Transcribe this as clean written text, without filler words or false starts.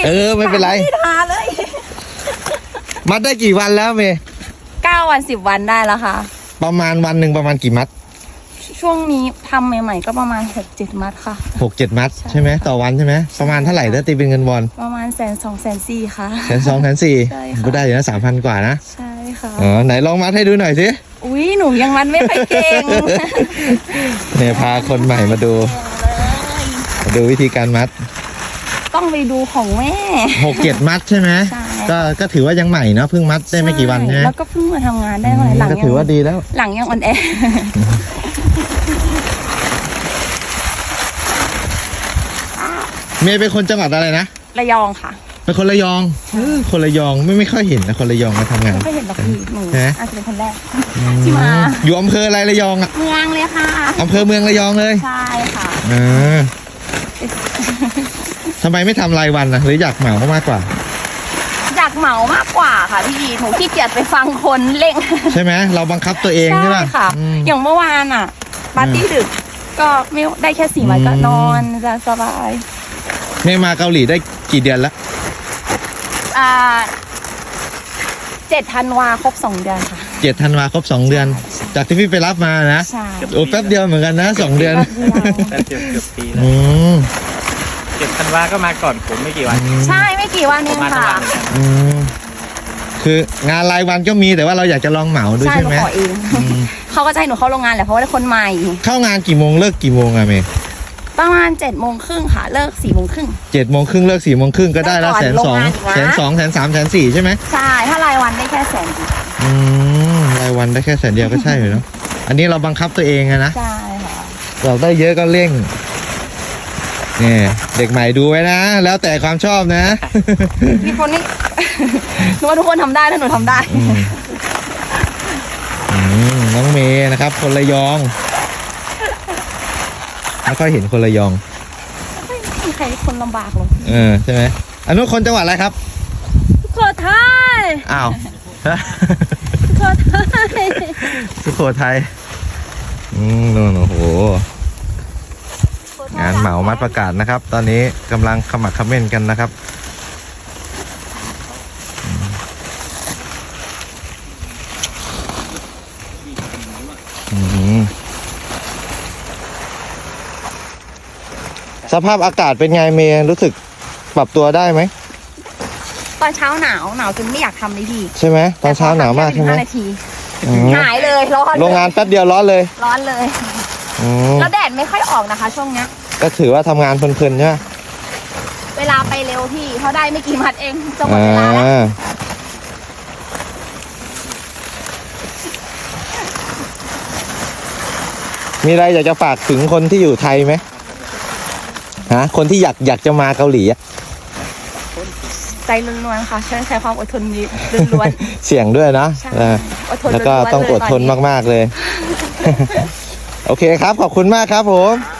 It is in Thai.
ไม่เป็นไรไม่ทาเลยมัดได้กี่วันแล้วเมย์ 9 วัน 10 วันได้แล้วค่ะประมาณวันหนึ่งประมาณกี่มัดช่วงนี้ทำใหม่ๆก็ประมาณ 6-7 มัดค่ะ 6-7 มัดใช่ไหมต่อวันใช่ไหมประมาณเท่าไหร่ถ้าตีเป็นเงินวอนประมาณ120,000-140,000ค่ะ 120,000-140,000 ใช่ค่ะก็ได้อยู่นะ3,000 กว่านะใช่ค่ะไหนลองมัดให้ดูหน่อยสิอุ้ยหนูยังมัดไม่ค่อยเก่งเนี่ยพาคนใหม่มาดูวิธีการมัดต้องไปดูของแม่ 6-7 มัดใช่ไหมก็ถือว่ายังใหม่เนาะเพิ่งมัดได้ไม่กี่วันใช่ไหมแล้วก็เพิ่งมาทำงานได้เมื่อไหร่หลังก็ถือว่าดีแล้วหลังยังอ่อนแอเมย์เป็นคนจังหวัดอะไรนะระยองค่ะเป็นคนระยองคนระยองไม่ค่อยเห็นนะคนระยองมาทำงานไม่ค่อยเห็นหรอกพี่หนูอาจจะเป็นคนแรกที่มาอยู่อำเภออะไรระยองอ่ะเมืองเลยค่ะอำเภอเมืองระยองเลยใช่ค่ะทำไมไม่ทำรายวันนะหรืออยากเหมามากกว่าอยากเหมามากกว่าค่ะพี่หนูขี้เกียจไปฟังคนเร่งใช่ไหมเราบังคับตัวเองใช่ไหมค่ะอย่างเมื่อวานอ่ะปาร์ตี้ดึกก็ไม่ได้แค่4 วันก็นอนจะสบายเมย์มาเกาหลีได้กี่เดือนแล้ว 7 ธันวาครบ 2 เดือนค่ะ 7 ธันวาครบ 2 เดือนจากที่พี่ไปรับมานะใช่โอ้แป๊บเดียวเหมือนกันนะ2 เดือนเกือบปีแล้ว7 ธันวาก็มาก่อนผมไม่กี่วันใช่ไม่กี่วันเองค่ะคืองานรายวันก็มีแต่ว่าเราอยากจะลองเหมาด้วยใช่ไหมขอเองเขาก็จะให้หนูเข้าโรงงานแหละเพราะว่าได้คนใหม่เข้างานกี่โมงเลิกกี่โมงอะเมย์ประมาณ7:30ค่ะเลิก4:30 7:30เลิก4:30ก็ได้แล้ว120,000 120,000 130,000 140,000ใช่ไหมใช่ถ้ารายวันได้แค่100,000 รายวันได้แค่100,000เดียวก็ใช่เลยเนาะอันนี้เราบังคับตัวเองนะใช่ค่ะเราได้เยอะก็เร่งนี่เด็กใหม่ดูไว้นะแล้วแต่ความชอบนะมีคนนี่หนูว่าทุกคนทำได้ถ้าหนูทำได้น้องเมย์นะครับคนระยองไม่ค่อยเห็นคนระยองไม่มีใครคนลำบากหรอกใช่ไหมอันนู้นคนจังหวัดอะไรครับสุโขทัยอ้าวสุโขทัยสุโขทัยนู่นโอ้โหงานเหมามัดประกาศนะครับตอนนี้กำลังขมักเขม้นกันนะครับสภาพอากาศเป็นไงเมย์รู้สึกปรับตัวได้ไหมตอนเช้าหนาวจนไม่อยากทำเลยพี่ใช่ไหมตอนเช้าหนาวมากใช่ไหม 5 นาทีหายเลยร้อนโรงงานแป๊บเดียวร้อนเลยแล้วแดดไม่ค่อยออกนะคะช่วงเนี้ยก็ถือว่าทำงานเพลินๆใช่ไหมเวลาไปเร็วพี่เขาได้ไม่กี่มัดเองจะหมดเวลาแล้วมีอะไรอยากจะฝากถึงคนที่อยู่ไทยไหมคนที่อยากจะมาเกาหลีใจล้วนๆค่ะใช้ความอดทนล้วนเสี่ยงด้วยนะแล้วก็ต้องอดทนมากๆเลยโอเคครับขอบคุณมากครับผม